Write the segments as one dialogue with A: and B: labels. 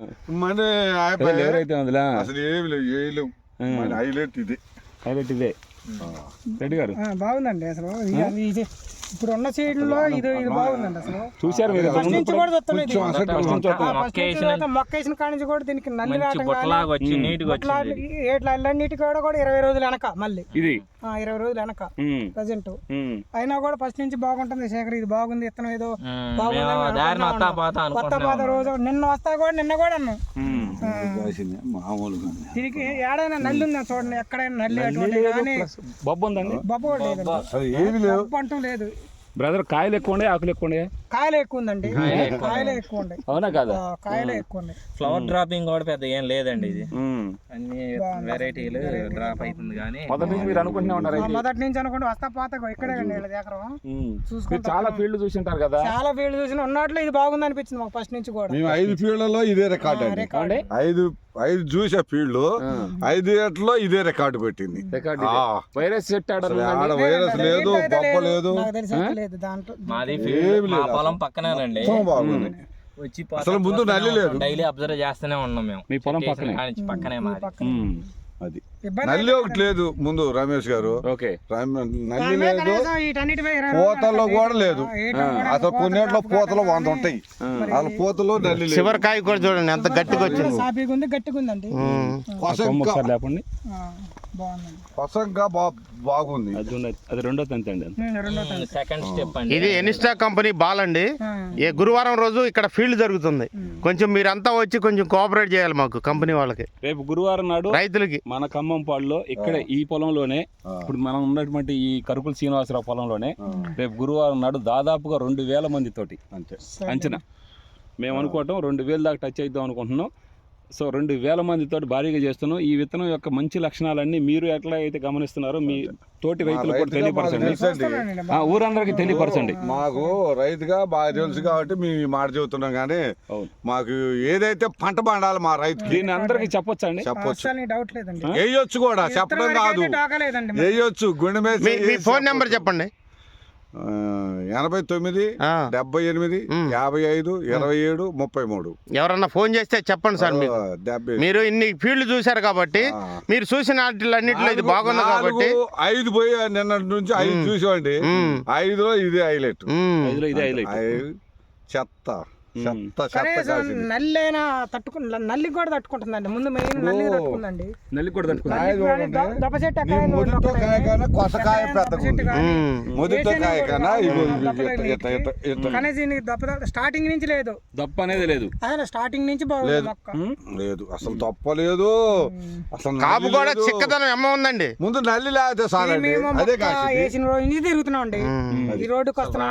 A: మన
B: ఎవరైతే అందులో
A: అసలు ఏమి లేవు ఏలేవు మన హైలైట్ ఇదే
B: రెడ్డి గారు
C: బాగుందండి అసలు ఇప్పుడు ఉన్న సీడ్లో ఇది బాగుందండి అసలు
B: చూసారు మీరు
C: ఫస్ట్ నుంచి కూడా మొక్క వేసిన కాడి నుంచి కూడా దీనికి నల్లి ఏట్లన్నిటికి కూడా 20 రోజులు వెనక మళ్ళీ
B: ఇది
C: 20 రోజులు వెనక ప్రజెంట్ అయినా కూడా ఫస్ట్ నుంచి బాగుంటుంది శేఖర్ ఇది బాగుంది ఇత్తనం ఏదో కొత్త పాత రోజు నిన్న కూడా అన్నాం దీనికి ఏడైనా నల్లి ఉందా చూడండి ఎక్కడైనా నల్లి అటువంటి కానీ
B: బొబ్బ ఉందండి
C: బొబ్బ కూడా లేదు బొబ్బ అంటూ లేదు
B: బ్రదర్. కాయలు ఎక్కువ ఉండే ఆకులు ఎక్కువ ఉండే
C: కాయలు ఎక్కువ ఉందండి కాయలే ఎక్కువ ఉండే
B: అవునా కాదా
C: కాయలే ఎక్కువ ఉండే
D: ఫ్లవర్ డ్రాపింగ్ కూడా పెద్ద ఏం లేదండి ఇది అన్ని వెరైటీలు డ్రాప్ అవుతుంది కానీ
B: మొదటి నుంచి మీరు అనుకుంటున్నా ఉన్నారు
C: మొదటి నుంచి అనుకుంటే వస్తా పాత ఇక్కడే
B: చూసుకుంటే చాలా ఫీల్డ్ చూసి ఉంటారు కదా
C: చాలా ఫీల్డ్ చూసిన ఉన్నట్లు ఇది బాగుంది అనిపించింది మాకు ఫస్ట్ నుంచి కూడా
A: మేము 5 ఫీల్డ్లలో ఇదే రికార్డ్ అండి 5 చూసే ఫీల్డ్ 5 ఏట్లో ఇదే రికార్డు కొట్టింది
B: వైరస్ సెట్
A: వైరస్ లేదు బొబ్బ లేదు
D: మాది పొలం పక్కనేనండి వచ్చి
A: అసలు ముందు నల్లి లేదు
D: డైలీ అబ్జర్వ్ చేస్తూనే ఉన్నాం మేము
B: మీ పొలం
D: పక్కనే
A: అది నల్లి ఒకటి లేదు ముందు రమేష్ గారు నల్లి లేదు పూతల్లో కూడా లేదు అసలు కొన్నిట్లో పూతలు 100 ఉంటాయి అసలు పూతలో నల్లి లేదు
E: చివరికాయ కూడా చూడండి ఎంత గట్టిగా వచ్చింది
C: గట్టిగా ఉందండి
A: పసంగా బాగుంది
B: అది రెండో తంతి అండి
D: సెకండ్ స్టెప్ అండి
E: ఇది ఎనిస్టా కంపెనీ బాల్ అండి ఏ గురువారం రోజు ఇక్కడ ఫీల్డ్ జరుగుతుంది కొంచెం మీరంతా వచ్చి కొంచెం కోఆపరేట్ చేయాలి మాకు కంపెనీ వాళ్ళకి
B: రేపు గురువారం నాడు
E: రైతులకి
B: మన ఖమ్మం పాడులో ఇక్కడ ఈ పొలంలోనే ఇప్పుడు మనం ఉన్నటువంటి ఈ కరుకుల శ్రీనివాసరావు పొలంలోనే రేపు గురువారం నాడు దాదాపుగా 2000 మంది తోటి అంచనా మేము అనుకోవటం 2000 దాకా టచ్ అవుతాం అనుకుంటున్నాం. సో 2000 మందితో భారీగా చేస్తున్నాం. ఈ విత్తనం యొక్క మంచి లక్షణాలన్నీ మీరు ఎట్లా అయితే గమనిస్తున్నారో మీ తోటి రైతులకు కూడా తెలియపరచండి, ఊరందరికి తెలియపరచండి.
A: మాకు రైతుగా బాగా తెలుసు కాబట్టి మేము మాట చెబుతున్నాం కానీ మాకు ఏదైతే పంట పండాలి మా రైతు
B: దీన్ని అందరికి చెప్పొచ్చండి,
A: చెప్పొచ్చు, వేయొచ్చు కూడా, చెప్పడం కాదు వేయొచ్చు. గుండె మీద
E: ఫోన్ నెంబర్ చెప్పండి.
A: 89 78 55 27 33.
E: ఎవరన్నా ఫోన్ చేస్తే చెప్పండి సార్. మీరు ఇన్ని ఫీల్డ్ చూసారు కాబట్టి మీరు చూసిన వాటిలన్నింటిలో ఇది బాగుంది కాబట్టి
A: 5 పోయి నిన్న నుంచి 5 చూసామండి. 5లో ఇది హైలైట్, చెత్త
C: నల్లి అయినా నల్లి కూడా తట్టుకుంటుందండి. ముందు మెయిన్ నల్లి తట్టుకుందండి,
B: నల్లి కూడా తట్టుకుంటుంది.
C: దప్ప చెట్టు కానీ దీనికి స్టార్టింగ్ నుంచి లేదు,
B: దప్ప అనేది లేదు,
C: స్టార్టింగ్ నుంచి బాగుంది మొక్క
A: లేదు, అసలు తప్ప లేదు. అసలు
E: కాపు కూడా చిక్కదనం ఏమో ఉందండి.
A: ముందు నల్లి లేకపోతే సాలండి. అదే
C: వేసిన రోజు నుంచి తిరుగుతున్నాం అండి, ఈ రోడ్డుకి వస్తున్నాం.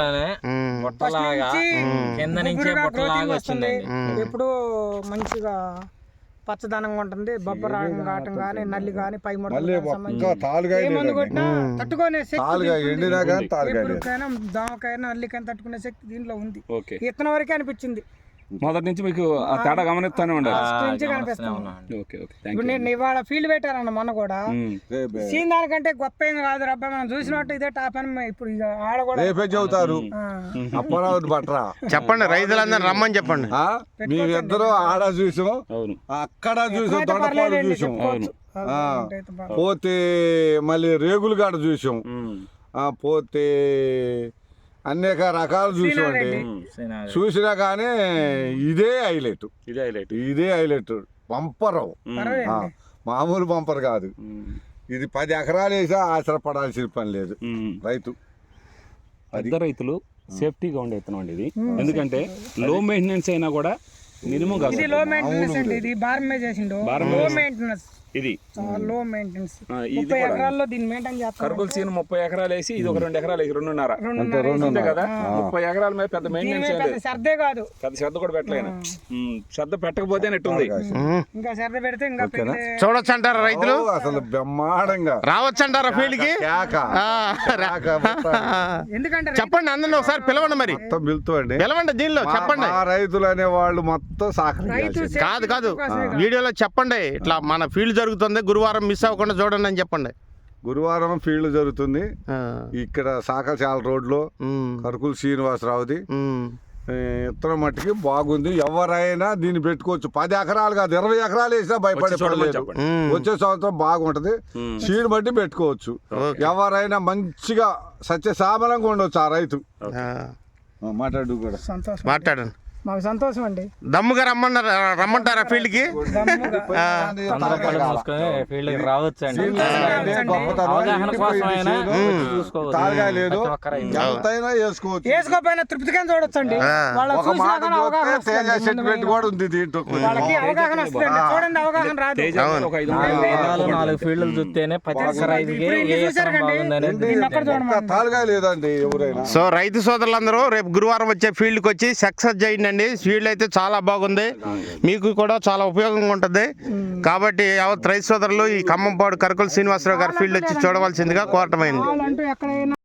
C: ఎప్పుడు మంచిగా పచ్చదనంగా ఉంటుంది. బొబ్బ రావటం కానీ నల్లి కానీ పై మందు కొట్టినా తట్టుకునే శక్తి, దోమకైనా నల్లికైనా తట్టుకునే శక్తి దీంట్లో ఉంది. ఇత్తనం వరకే అనిపించింది.
B: మొదటి నుంచి మీకు ఆ తేడా గమనిస్తానే ఉండాలి.
C: ఇప్పుడు నేను ఇవాళ ఫీల్డ్ పెట్టారన్న మొన్న కూడా సీన్ దానికంటే గొప్ప ఏం కాదు రబ్బా, మనం చూసినట్టు ఇదే టాప్ అని ఇప్పుడు ఆడ కూడా
A: చెబుతారు.
E: చెప్పండి, రైతులందరూ రమ్మని చెప్పండి.
A: మేమిద్దరు ఆడ చూసాం, అక్కడ చూసాం, దొండపాడు చూసాం, పోతే మళ్ళీ రేగులు కాడ చూసాం, పోతే అనేక రకాలు చూసామండి. చూసినా కానీ ఇదే హైలైట్, ఇదే హైలైట్. బంపరు, మామూలు బంపర్ కాదు ఇది. 10 ఎకరాలు వేసా ఆశ్రపడాల్సిన పని లేదు రైతు.
B: పెద్ద రైతులు సేఫ్టీగా ఉండే విత్తనం అండి ఇది. ఎందుకంటే లో మెయింటెనెన్స్ అయినా కూడా మినిమం
C: కాదు. లో మెయింటెనెన్స్ అండి ఇది. బార్మే చేసిండు, లో మెయింటెనెన్స్
B: ఇది,
C: లో మెయింటెనెన్స్. 30 ఎకరాల్లో దీన్ని మెయింటైన్ చేస్తారు.
B: కరుకుల సీన్ 30 ఎకరాలు వేసి ఇది ఒక 2 ఎకరాలు వేసి 2.5 కదా. 30 ఎకరాల మీద పెద్ద మెయింటెనెన్స్
C: శ్రద్ధే కాదు,
B: పెద్ద శ్రద్ధ కూడా పెట్టలేను. శ్రద్ధ పెట్టకపోతే నెట్టుంది.
C: ఇంకా శ్రద్ధ పెడితే ఇంకా
E: చూడొచ్చు అంటారా రైతులు?
A: అసలు బ్రహ్మాండంగా
E: రావచ్చు అంటారా ఫీల్డ్ కి?
C: ఎందుకంటే
E: చెప్పండి, అందరిని ఒకసారి పిలవండి, మరి పిలవండి, దీనిలో చెప్పండి.
A: రైతులు అనే వాళ్ళు మొత్తం
E: కాదు వీడియోలో చెప్పండి, ఇట్లా మన ఫీల్డ్ జరుగుతుంది, గురువారం మిస్ అవ్వకుండా చూడండి అని చెప్పండి.
A: గురువారం ఫీల్డ్ జరుగుతుంది ఇక్కడ సాకల్చాల రోడ్ లో, కరుకుల శ్రీనివాసరావుది. ఇత్తనం మట్టికి బాగుంది. ఎవరైనా దీన్ని పెట్టుకోవచ్చు. 10 ఎకరాలు కాదు 20 ఎకరాలు వేసినా భయపడే పని లేదు. వచ్చే సంవత్సరం బాగుంటది. సీడ్ బట్టి పెట్టుకోవచ్చు. ఎవరైనా మంచిగా సత్యశామలంగా ఉండొచ్చు ఆ రైతు. మాట్లాడు కూడా
C: సంతోషం,
E: మాట్లాడండి.
C: మాకు సంతోషం అండి.
E: దమ్ముగా రమ్మంటారా ఫీల్డ్కి?
D: ఫీల్డ్ రావచ్చు అండి.
A: తాలుగా లేదు, ఎంతైనా వేసుకోవచ్చు.
C: వేసుకోపోయినా తృప్తిగా చూడొచ్చు అండి.
A: ఒక మాట చూస్తే తేజ సెంటిమెంట్ కూడా ఉంది దీంట్లో.
C: వాళ్ళకి అవగాహన వస్తుంది. చూడండి, అవగాహన రాదు.
D: 4 ఫీల్డ్లు చూస్తేనే ప్రతి ఒక్క రైతుకి
A: తాలుగా లేదండి ఎవరైనా.
E: సో రైతు సోదరులందరూ రేపు గురువారం వచ్చే ఫీల్డ్కి వచ్చి సక్సెస్ చేయండి. ఫీల్డ్ అయితే చాలా బాగుంది, మీకు కూడా చాలా ఉపయోగంగా ఉంటుంది. కాబట్టి యావత్ రైతు సోదరులు ఈ ఖమ్మంపాడు కరకుల శ్రీనివాసరావు గారి ఫీల్డ్ వచ్చి చూడవలసిందిగా కోరటమైంది.